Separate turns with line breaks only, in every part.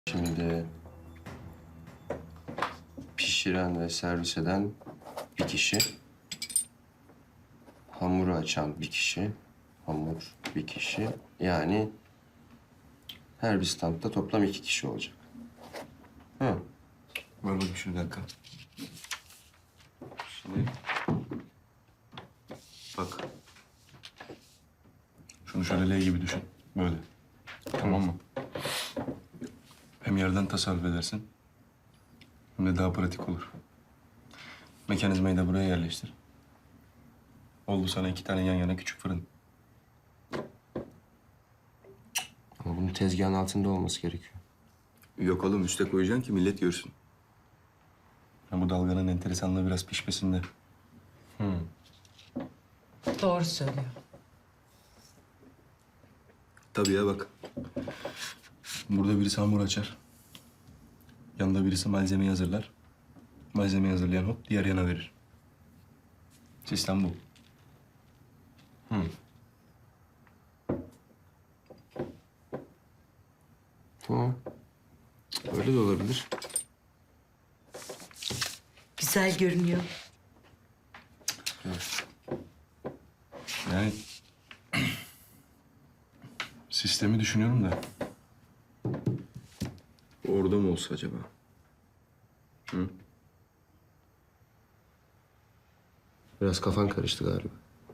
Şimdi pişiren ve servis eden bir kişi. Hamuru açan bir kişi. Hamur bir kişi. Yani her bir standta toplam 2 kişi olacak. Hı.
Ver bakayım şunu bir dakika. Şimdi... Bak. Şunu şöyle L gibi düşün. Böyle. Tamam mı? Hem yerden tasarruf edersin. Hem de daha pratik olur. Mekanizmayı da buraya yerleştir. Oldu sana 2 tane yan yana küçük fırın.
Ama bunun tezgahın altında olması gerekiyor.
Yok oğlum, üste koyacaksın ki millet görsün. Ha, bu dalganın enteresanlığı biraz pişmesinde.
Doğru söylüyor.
Tabii ya, bak. Burada birisi hamur açar. Yanında birisi malzemeyi hazırlar. Malzemeyi hazırlayan hop diğer yana verir. Sistem bu.
Tamam. Öyle de olabilir.
Güzel görünüyor.
Yani sistemi düşünüyorum da. Orada mı olsa acaba?
Biraz kafan karıştı galiba.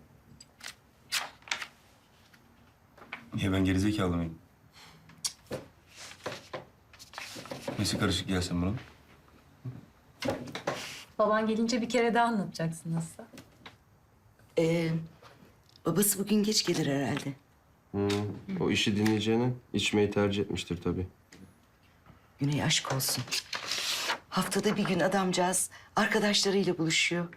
Niye, ben gerizekalı mıyım? Nesi karışık gelsin bunun?
Baban gelince bir kere daha anlatacaksın nasıl?
Babası bugün geç gelir herhalde.
O işi dinleyeceğine içmeyi tercih etmiştir tabii.
Güney aşk olsun. Haftada bir gün adamcağız arkadaşlarıyla buluşuyor.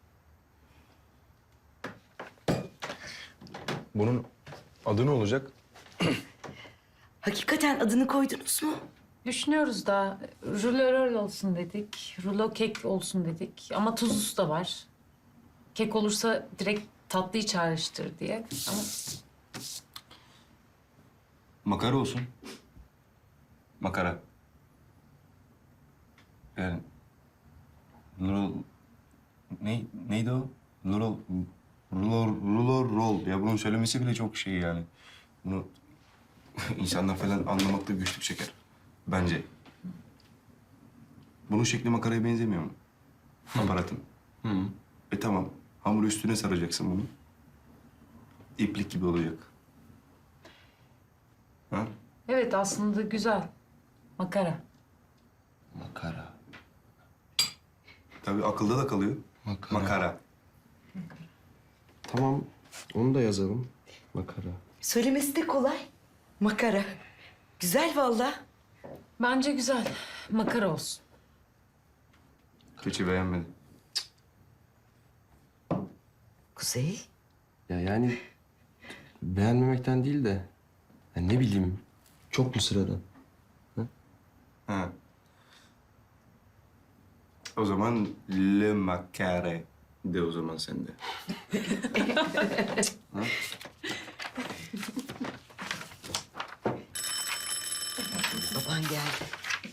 Bunun adı ne olacak?
Hakikaten adını koydunuz mu?
Düşünüyoruz da rulo rol olsun dedik, rulo kek olsun dedik. Ama tuzlusu da var. Kek olursa direkt tatlıyı çağrıştır diye. Ama
Makara olsun. Makara. Yani... Lol... Neydi o? Rol. Ya bunun söylemesi bile çok şey yani. Bunu insanlar falan anlamakta güçlük çeker. Bence. Bunun şekli makaraya benzemiyor mu? Aparatın. Tamam. Hamuru üstüne saracaksın bunu. İplik gibi olacak. Ha?
evet aslında güzel. Makara.
Makara.
Tabii akılda da kalıyor.
Makara.
Makara.
Tamam. Onu da yazalım. Makara.
Söylemesi de kolay. Makara. Güzel vallahi.
Bence güzel. Makara olsun.
Keçi beğenmedi.
Kuzey.
Ya yani beğenmemekten değil de ya ne bileyim çok mu sıradan?
Ha. O zaman le makare de o zaman sende.
Baban geldi.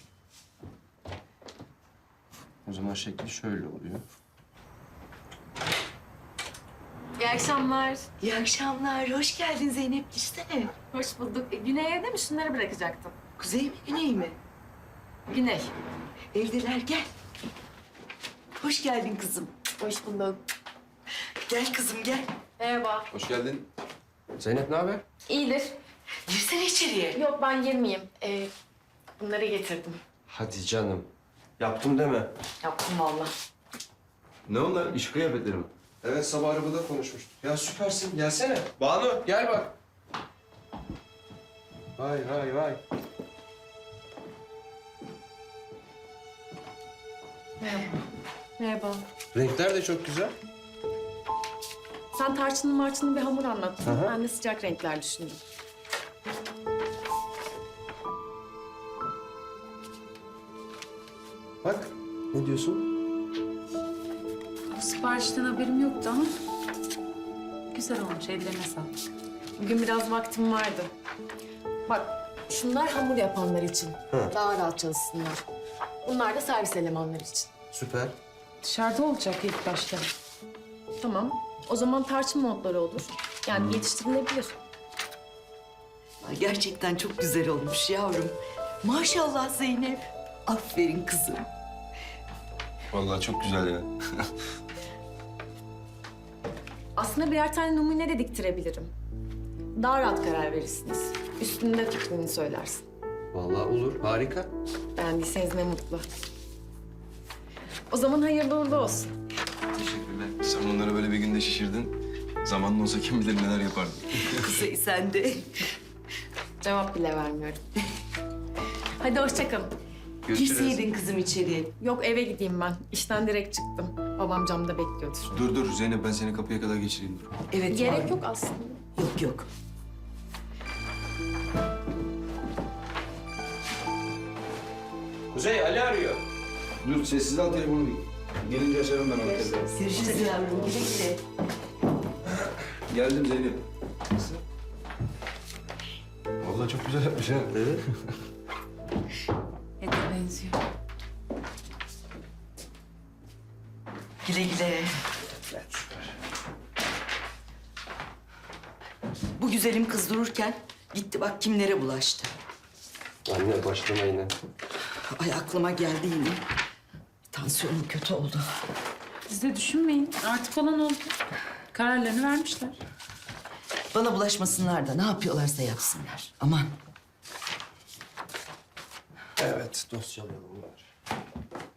O zaman şekli şöyle oluyor.
İyi akşamlar.
İyi akşamlar. Hoş geldin Zeynep. Girsene.
Hoş bulduk. Güney'e evde mi? Şunları bırakacaktım.
Kuzey mi Güney mi?
Güney.
Evdeler gel. Hoş geldin kızım.
Hoş bulduk.
Gel kızım gel.
Merhaba.
Hoş geldin.
Zeynep ne haber?
İyidir.
Girsene içeriye.
Yok ben girmeyeyim. Bunları getirdim.
Hadi canım. Yaptım deme.
Yaptım vallahi.
Ne onlar? İş kıyafetleri mi?
Evet sabah arabada konuşmuştuk. Ya süpersin gelsene. Banu gel bak. Vay vay vay.
Merhaba.
Renkler de çok güzel.
Sen tarçınlı marçınlı bir hamur anlattın.
Hı hı.
Ben de sıcak renkler düşündüm.
Bak ne diyorsun?
Bu siparişten haberim yoktu ama güzel olmuş. Ellerine sağlık.
Bugün biraz vaktim vardı. Bak Şunlar hamur yapanlar için. Daha rahat çalışsınlar. Bunlar da servis elemanları için.
Süper.
Dışarıda olacak ilk başta.
Tamam. O zaman tarçın modları olur. Yani yetiştirilebilir.
Ay, gerçekten çok güzel olmuş yavrum. Maşallah Zeynep. Aferin kızım.
Vallahi çok güzel ya.
Aslında birer tane numune de diktirebilirim. Daha rahat karar verirsiniz. Üstünde fikrini söylersin.
Vallahi olur. Harika.
Beğendiyseniz ne mutlu. O zaman hayırlı uğurlu olsun.
Teşekkürler. Sen bunları böyle bir günde şişirdin. Zamanın olsa kim bilir neler yapardın.
Kuzey sen de.
Cevap bile vermiyorum. Hadi hoşça kalın.
Girseydin kızım içeriye.
Yok eve gideyim ben. İşten direkt çıktım. Babam camda bekliyordur.
Dur Zeynep, ben seni kapıya kadar geçireyim dur.
Evet
Gerek
yavrum.
yok aslında.
Yok yok.
Kuzey, Ali arıyor.
Dur sessiz al telefonu. Gelince açarım ben onu telefonu.
Görüşürüz yavrum. Güle güle.
Geldim Zeynep. Nasıl? Vallahi çok güzel yapmış ha.
Evet.
Ete benziyor.
Güle güle. Bu güzelim kız dururken gitti bak kimlere bulaştı.
Anne başlama yine.
Ay aklıma geldi yine. Tansiyonum kötü oldu.
Siz de düşünmeyin. Artık olan oldu. Kararlarını vermişler.
Bana bulaşmasınlar da ne yapıyorlarsa yapsınlar. Aman.
Evet, dosyalarım var.